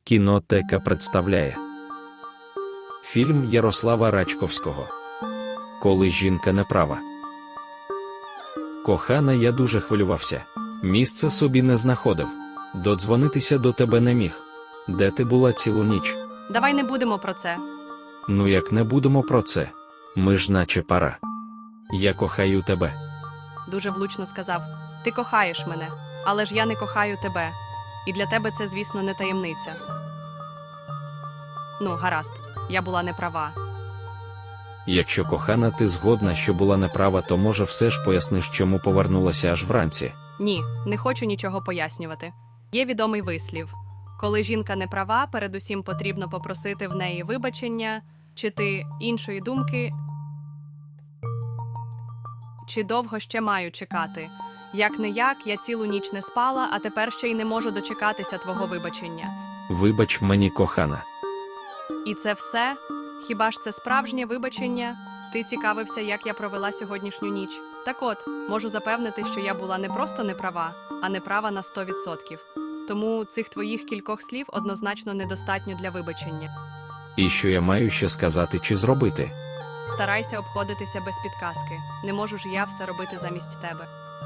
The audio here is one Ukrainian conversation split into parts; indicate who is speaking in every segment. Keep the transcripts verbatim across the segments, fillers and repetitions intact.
Speaker 1: Кінотека представляє фільм Ярослава Рачковського «Коли жінка не права». Кохана, я дуже хвилювався. Місця собі не знаходив. Додзвонитися до тебе не міг. Де ти була цілу ніч?
Speaker 2: Давай не будемо про це.
Speaker 1: Ну як не будемо про це? Ми ж наче пара. Я кохаю тебе.
Speaker 2: Дуже влучно сказав. Ти кохаєш мене, але ж я не кохаю тебе. І для тебе це, звісно, не таємниця. Ну, гаразд, я була не права.
Speaker 1: Якщо, кохана, ти згодна, що була неправа, то може все ж поясниш, чому повернулася аж вранці?
Speaker 2: Ні, не хочу нічого пояснювати. Є відомий вислів. Коли жінка не права, передусім потрібно попросити в неї вибачення, чи ти іншої думки, чи довго ще маю чекати. Як-не-як, я цілу ніч не спала, а тепер ще й не можу дочекатися твого вибачення.
Speaker 1: Вибач мені, кохана.
Speaker 2: І це все? Хіба ж це справжнє вибачення? Ти цікавився, як я провела сьогоднішню ніч? Так от, можу запевнити, що я була не просто неправа, а неправа на сто відсотків. Тому цих твоїх кількох слів однозначно недостатньо для вибачення.
Speaker 1: І що я маю ще сказати чи зробити?
Speaker 2: Старайся обходитися без підказки. Не можу ж я все робити замість тебе.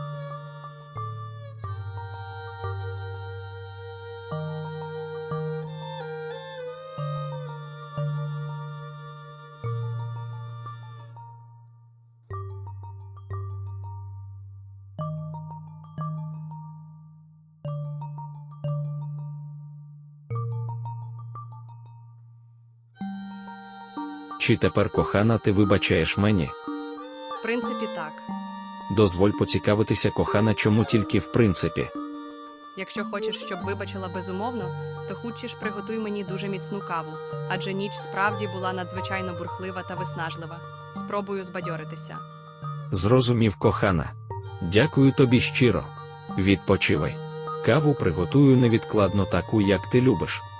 Speaker 1: Чи тепер, кохана, ти вибачаєш мені?
Speaker 2: В принципі, так.
Speaker 1: Дозволь поцікавитися, кохана, чому тільки в принципі?
Speaker 2: Якщо хочеш, щоб вибачила безумовно, то хутче ж приготуй мені дуже міцну каву, адже ніч справді була надзвичайно бурхлива та виснажлива. Спробую збадьоритися.
Speaker 1: Зрозумів, кохана. Дякую тобі щиро. Відпочивай. Каву приготую невідкладно таку, як ти любиш.